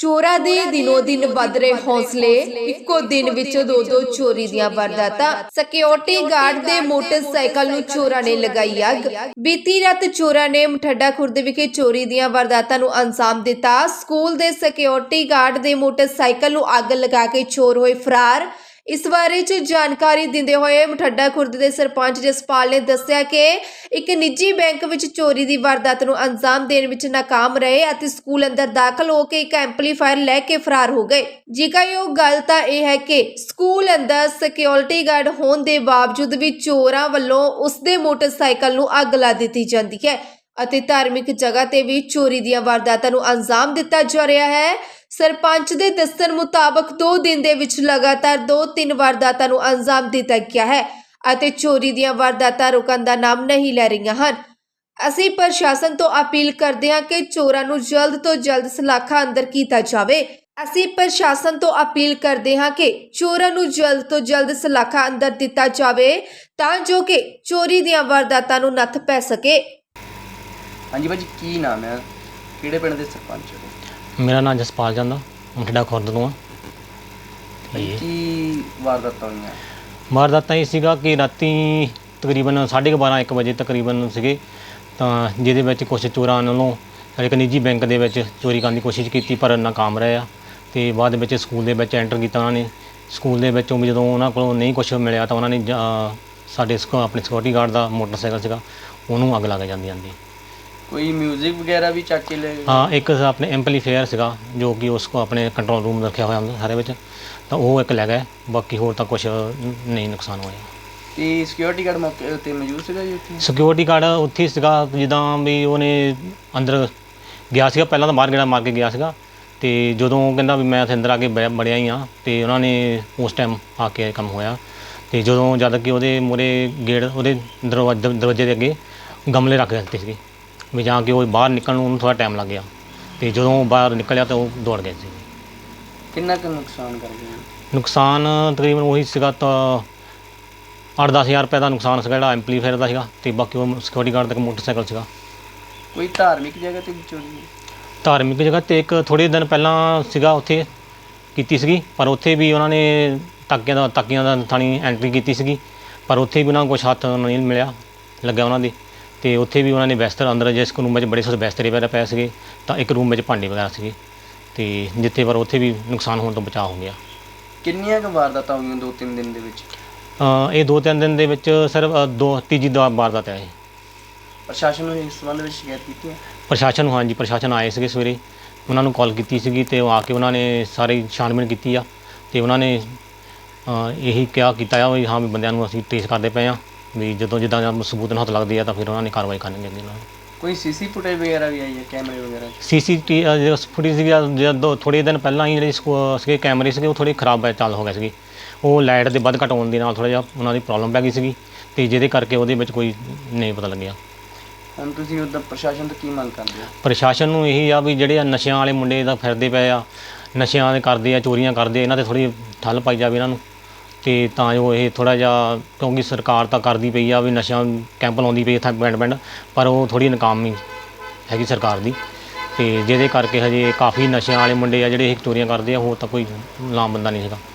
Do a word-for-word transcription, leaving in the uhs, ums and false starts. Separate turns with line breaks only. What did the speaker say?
ਚੋਰਾਂ ਦੇ ਦਿਨੋ ਦਿਨ ਵੱਧ ਰਹੇ ਹੌਸਲੇ। ਇੱਕੋ ਦਿਨ ਵਿੱਚ ਦੋ ਦੋ ਚੋਰੀ ਦੀਆਂ ਵਾਰਦਾਤਾਂ। ਸਿਕਿਉਰਿਟੀ ਗਾਰਡ ਦੇ ਮੋਟਰਸਾਈਕਲ ਨੂੰ ਚੋਰਾਂ ਨੇ ਲਗਾਈ ਅੱਗ। ਬੀਤੀ ਰਾਤ ਚੋਰਾਂ ਨੇ ਮਠੱਡਾ ਖੁਰਦ ਵਿਖੇ ਚੋਰੀ ਦੀਆਂ ਵਾਰਦਾਤਾਂ ਨੂੰ ਅੰਜਾਮ ਦਿੱਤਾ। ਸਕੂਲ ਦੇ ਸਿਕਿਉਰਿਟੀ ਗਾਰਡ ਦੇ ਮੋਟਰਸਾਈਕਲ ਨੂੰ ਅੱਗ ਲਗਾ ਕੇ ਚੋਰ ਹੋਏ ਫਰਾਰ। ਇਸ ਬਾਰੇ ਚ ਜਾਣਕਾਰੀ ਦਿੰਦੇ ਹੋਏ ਮਠੱਡਾ ਖੁਰਦ ਦੇ ਸਰਪੰਚ ਜਸਪਾਲ ਨੇ ਦੱਸਿਆ ਕਿ ਇੱਕ ਨਿੱਜੀ ਬੈਂਕ ਵਿੱਚ ਚੋਰੀ ਦੀ ਵਾਰਦਾਤ ਨੂੰ ਅੰਜਾਮ ਦੇਣ ਵਿੱਚ ਨਾਕਾਮ ਰਹੇ ਅਤੇ ਸਕੂਲ ਅੰਦਰ ਦਾਖਲ ਹੋ ਕੇ ਇੱਕ ਐਂਪਲੀਫਾਇਰ ਲੈ ਕੇ ਫਰਾਰ ਹੋ ਗਏ। ਜ਼ਿਕਰਯੋਗ ਗੱਲ ਤਾਂ ਇਹ ਹੈ ਕਿ ਸਕੂਲ ਅੰਦਰ ਸਿਕਿਉਰਿਟੀ ਗਾਰਡ ਹੋਣ ਦੇ ਬਾਵਜੂਦ ਵੀ ਚੋਰਾਂ ਵੱਲੋਂ ਉਸ ਦੇ ਮੋਟਰਸਾਈਕਲ ਨੂੰ ਅੱਗ ਲਾ ਦਿੱਤੀ ਜਾਂਦੀ ਹੈ ਅਤੇ ਧਾਰਮਿਕ ਜਗ੍ਹਾ ਤੇ ਵੀ ਚੋਰੀ ਦੀਆਂ ਵਾਰਦਾਤਾਂ ਨੂੰ ਅੰਜਾਮ ਦਿੱਤਾ ਜਾ ਰਿਹਾ ਹੈ। ਸਰਪੰਚ ਦੇ ਦੱਸਣ ਮੁਤਾਬਕ ਦੋ ਦਿਨ ਦੇ ਵਿੱਚ ਲਗਾਤਾਰ ਦੋ ਤਿੰਨ ਵਾਰਦਾਤਾਂ ਨੂੰ ਅੰਜਾਮ ਦਿੱਤਾ ਗਿਆ ਹੈ ਅਤੇ ਚੋਰੀ ਦੀਆਂ ਵਾਰਦਾਤਾਂ ਰੁਕਣ ਦਾ ਨਾਮ ਨਹੀਂ ਲੈ ਰਹੀਆਂ ਹਨ। ਅਸੀਂ ਪ੍ਰਸ਼ਾਸਨ ਤੋਂ ਅਪੀਲ ਕਰਦੇ ਹਾਂ ਕਿ ਚੋਰਾਂ ਨੂੰ ਜਲਦ ਤੋਂ ਜਲਦ ਸਲਾਖਾਂ ਅੰਦਰ ਕੀਤਾ ਜਾਵੇ। ਅਸੀਂ ਪ੍ਰਸ਼ਾਸਨ ਤੋਂ ਅਪੀਲ ਕਰਦੇ ਹਾਂ ਕਿ ਚੋਰਾਂ ਨੂੰ ਜਲਦ ਤੋਂ ਜਲਦ ਸਲਾਖਾਂ ਅੰਦਰ ਦਿੱਤਾ ਜਾਵੇ ਤਾਂ ਜੋ ਕਿ ਚੋਰੀ ਦੀਆਂ ਵਾਰਦਾਤਾਂ ਨੂੰ ਨੱਥ ਪੈ ਸਕੇ।
ਹਾਂਜੀ ਭਾਜੀ, ਕੀ ਨਾਮ ਹੈ, ਕਿਹੜੇ ਪਿੰਡ ਦੇ ਸਰਪੰਚ ਹੋ?
मेरा नाम जसपाल चंद मठड़ा खुर्द तो
ਕੀ ਵਾਰਦਾਤਾਂ ਹੋਈਆਂ?
वारदात ये सीगा कि राती तकरीबन साढ़े बारह एक बजे तकरीबन सीगे तो जिहदे विच कुछ चोरां वालों एक निजी बैंक दे विच चोरी करने की कोशिश की पर नाकाम रहे आ ते बाद which school they which enter किया। उन्होंने स्कूल दे विचों जदों उन्हां कोलों नहीं कुछ मिलिया तो उन्होंने साडे अपने सिक्योरिटी गार्ड का मोटरसाइकिल सीगा उहनूं अग लग जांदी जांदी
कोई म्यूजिक वगैरह भी चक के ले गए?
हाँ, एक अपने एम्पलीफेयर सीगा जो कि उसको अपने कंट्रोल रूम रखा हुआ सारे विच तो वो एक लै गए, बाकी होर तो कुछ नहीं नुकसान होया।
ਤੇ ਸਿਕਿਉਰਿਟੀ ਗਾਰਡ ਮੌਕੇ ਉੱਤੇ ਮੌਜੂਦ ਸੀਗਾ ਜੀ ਉੱਥੇ?
ਸਿਕਿਉਰਿਟੀ ਗਾਰਡ ਉੱਥੇ ਸੀਗਾ ਜਿੱਦਾਂ ਵੀ ਉਹਨੇ ਅੰਦਰ ਗਿਆ ਸੀਗਾ, ਪਹਿਲਾਂ ਤਾਂ ਬਾਹਰ ਗੇੜਾ ਮਾਰ ਕੇ ਗਿਆ ਸੀਗਾ ਤੇ ਜਦੋਂ ਕਹਿੰਦਾ ਵੀ ਮੈਂ ਉੱਥੇ ਅੰਦਰ ਆ ਕੇ ਬੜਿਆ ਹੀ ਆ ਤੇ ਉਹਨਾਂ ਨੇ ਉਸ ਟਾਈਮ ਆ ਕੇ ਕੰਮ ਹੋਇਆ ਤੇ ਜਦੋਂ ਜਦ ਕਿ ਉਹਦੇ ਮੂਹਰੇ ਗੇਟ ਉਹਦੇ ਦਰਵਾਜ਼ੇ ਦਰਵਾਜ਼ੇ ਦੇ ਅੱਗੇ ਗਮਲੇ ਰੱਖ ਦਿੱਤੇ ਸੀਗੇ ਵੀ ਜਾਂ ਕਿ ਉਹ ਬਾਹਰ ਨਿਕਲਣ ਨੂੰ ਥੋੜਾ ਟਾਈਮ ਲੱਗ ਗਿਆ ਤੇ ਜਦੋਂ ਬਾਹਰ ਨਿਕਲਿਆ ਤਾਂ ਉਹ ਦੌੜ ਗਏ ਸੀ।
ਕਿੰਨਾ ਕੁ ਨੁਕਸਾਨ ਕਰ ਗਏ?
ਨੁਕਸਾਨ ਤਕਰੀਬਨ ਉਹੀ ਸੀਗਾ ਤਾਂ ਅੱਠ ਦਸ ਹਜ਼ਾਰ ਰੁਪਏ ਦਾ ਨੁਕਸਾਨ ਸੀਗਾ ਜਿਹੜਾ ਐਂਪਲੀਫਾਇਰ ਦਾ ਸੀਗਾ ਤੇ ਬਾਕੀ ਉਹ ਸਿਕਿਉਰਿਟੀ ਗਾਰਡ ਦਾ ਮੋਟਰਸਾਈਕਲ ਸੀਗਾ।
ਕੋਈ ਧਾਰਮਿਕ ਜਗ੍ਹਾ ਤੇ ਵੀ ਚੋਰੀ?
ਧਾਰਮਿਕ ਜਗ੍ਹਾ ਤੇ ਇੱਕ ਥੋੜ੍ਹੇ ਦਿਨ ਪਹਿਲਾਂ ਸੀਗਾ ਉੱਥੇ ਕੀਤੀ ਸੀਗੀ ਪਰ ਉੱਥੇ ਵੀ ਉਹਨਾਂ ਨੇ ਤਾਕਿਆਂ ਦਾ ਤਾਕੀਆਂ ਦਾ ਥਾਣੀ ਐਂਟਰੀ ਕੀਤੀ ਸੀਗੀ ਪਰ ਉੱਥੇ ਵੀ ਉਹਨਾਂ ਨੂੰ ਕੁਛ ਹੱਥ ਨਹੀਂ ਮਿਲਿਆ ਲੱਗਿਆ ਉਹਨਾਂ ਦੇ ਤੇ ਉੱਥੇ ਵੀ ਉਹਨਾਂ ਨੇ ਬਿਸਤਰ ਅੰਦਰ ਜਿਸ ਰੂਮ ਵਿੱਚ ਬੜੇ ਸਾਰੇ ਬਿਸਤਰੇ ਵਗੈਰਾ ਪਏ ਸੀਗੇ ਤਾਂ ਇੱਕ ਰੂਮ ਵਿੱਚ ਭਾਂਡੇ ਵਗੈਰਾ ਸੀਗੇ ਤੇ ਜਿੱਥੇ ਪਰ ਉੱਥੇ ਵੀ ਨੁਕਸਾਨ ਹੋਣ ਤੋਂ ਬਚਾਅ ਹੋ ਗਿਆ।
ਕਿੰਨੀਆਂ ਕੁ ਵਾਰਦਾਤਾਂ ਹੋਈਆਂ ਦੋ ਤਿੰਨ ਦਿਨ ਦੇ ਵਿੱਚ?
ਇਹ ਦੋ ਤਿੰਨ ਦਿਨ ਦੇ ਵਿੱਚ ਸਿਰਫ ਦੋ ਤੀਜੀ ਦਾ ਵਾਰਦਾਤ ਹੈ ਇਹ।
ਪ੍ਰਸ਼ਾਸਨ ਨੂੰ ਇਸ ਸੰਬੰਧ ਵਿੱਚ ਸ਼ਿਕਾਇਤ ਕੀਤੀ ਹੈ?
ਪ੍ਰਸ਼ਾਸਨ ਨੂੰ ਹਾਂਜੀ, ਪ੍ਰਸ਼ਾਸਨ ਆਏ ਸੀਗੇ ਸਵੇਰੇ, ਉਹਨਾਂ ਨੂੰ ਕਾਲ ਕੀਤੀ ਸੀਗੀ ਤੇ ਉਹ ਆ ਕੇ ਉਹਨਾਂ ਨੇ ਸਾਰੀ ਛਾਣਬੀਣ ਕੀਤੀ ਆ ਤੇ ਉਹਨਾਂ ਨੇ ਇਹੀ ਕਿਹਾ ਕੀਤਾ ਆ ਵੀ ਹਾਂ ਵੀ ਬੰਦਿਆਂ ਨੂੰ ਅਸੀਂ ਟ੍ਰੇਸ ਕਰਦੇ ਪਏ ਆ ਵੀ ਜਦੋਂ ਜਿੱਦਾਂ ਸਬੂਤ ਨਾਲ ਹੱਥ ਲੱਗਦੀ ਆ ਤਾਂ ਫਿਰ ਉਹਨਾਂ ਨੇ ਕਾਰਵਾਈ ਕਰਨੀ ਅੱਗੇ ਨਾਲ।
ਕੋਈ ਸੀਸੀ ਫੁਟੇਜ ਵਗੈਰਾ ਵੀ ਆਈ ਹੈ, ਕੈਮਰੇ ਵਗੈਰਾ?
ਸੀਸੀ ਟੀ ਫੁਟੇਜ ਸੀਗੀ ਜਦੋਂ ਥੋੜ੍ਹੇ ਦਿਨ ਪਹਿਲਾਂ ਹੀ ਜਿਹੜੇ ਸੀਗੇ ਕੈਮਰੇ ਸੀਗੇ ਉਹ ਥੋੜ੍ਹੇ ਖਰਾਬ ਚੱਲ ਹੋ ਗਏ ਸੀਗੇ, ਉਹ ਲਾਈਟ ਦੇ ਵੱਧ ਘੱਟ ਹੋਣ ਦੇ ਨਾਲ ਥੋੜ੍ਹਾ ਜਿਹਾ ਉਹਨਾਂ ਦੀ ਪ੍ਰੋਬਲਮ ਪੈ ਗਈ ਸੀਗੀ ਅਤੇ ਜਿਹਦੇ ਕਰਕੇ ਉਹਦੇ ਵਿੱਚ ਕੋਈ ਨਹੀਂ ਪਤਾ ਲੱਗਿਆ।
ਹੁਣ ਤੁਸੀਂ ਉੱਦਾਂ ਪ੍ਰਸ਼ਾਸਨ ਤੋਂ ਕੀ ਮੰਗ ਕਰਦੇ ਹੋ?
ਪ੍ਰਸ਼ਾਸਨ ਨੂੰ ਇਹੀ ਆ ਵੀ ਜਿਹੜੇ ਆ ਨਸ਼ਿਆਂ ਵਾਲੇ ਮੁੰਡੇ ਦਾ ਫਿਰਦੇ ਪਏ ਆ, ਨਸ਼ਿਆਂ ਦੇ ਕਰਦੇ ਆ, ਚੋਰੀਆਂ ਕਰਦੇ ਆ, ਇਹਨਾਂ 'ਤੇ ਥੋੜ੍ਹੀ ਠੱਲ ਪਾਈ ਜਾਵੇ ਇਹਨਾਂ ਨੂੰ ਅਤੇ ਤਾਂ ਜੋ ਇਹ ਥੋੜ੍ਹਾ ਜਿਹਾ, ਕਿਉਂਕਿ ਸਰਕਾਰ ਤਾਂ ਕਰਦੀ ਪਈ ਆ ਵੀ ਨਸ਼ਿਆਂ ਕੈਂਪ ਲਾਉਂਦੀ ਪਈ ਇੱਥੇ ਪਿੰਡ ਪਿੰਡ ਪਰ ਉਹ ਥੋੜ੍ਹੀ ਨਾਕਾਮੀ ਹੈਗੀ ਸਰਕਾਰ ਦੀ ਅਤੇ ਜਿਹਦੇ ਕਰਕੇ ਹਜੇ ਕਾਫੀ ਨਸ਼ਿਆਂ ਵਾਲੇ ਮੁੰਡੇ ਆ ਜਿਹੜੇ ਇਹ ਚੋਰੀਆਂ ਕਰਦੇ ਆ, ਹੋਰ ਤਾਂ ਕੋਈ ਲਾਮ ਬੰਦਾ ਨਹੀਂ ਹੈਗਾ।